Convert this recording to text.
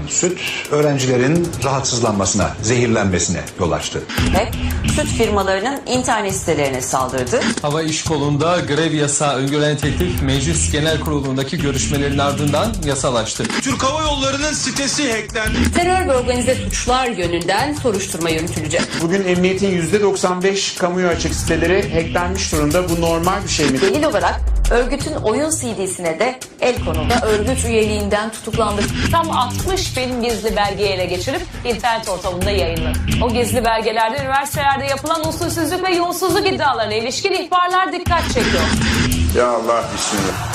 süt öğrencilerin rahatsızlanmasına, zehirlenmesine yol açtı. HEP, süt firmalarının internet sitelerine saldırdı. Hava İş Kolu'nda grev yasağı öngören teklif Meclis Genel Kurulu'ndaki görüşmelerin ardından yasalaştı. Türk Hava Yolları'nın sitesi hacklendi. Terör ve organize suçlar yönünden soruşturma yürütülecek. Bugün emniyetin %95 kamuya açık siteleri hacklenmiş durumda. Bu normal bir şey mi? Delil olarak örgütün oyun CD'sine de el konuldu. Örgüt üyeliğinden tutuklandı. Tam 60 bin gizli belgeyi ele geçirip internet ortamında yayınladı. O gizli belgelerde üniversitelerde yapılan usulsüzlük ve yolsuzluk iddialarına ilişkin ihbarlar dikkat çekiyor. Ya Allah, bismillah.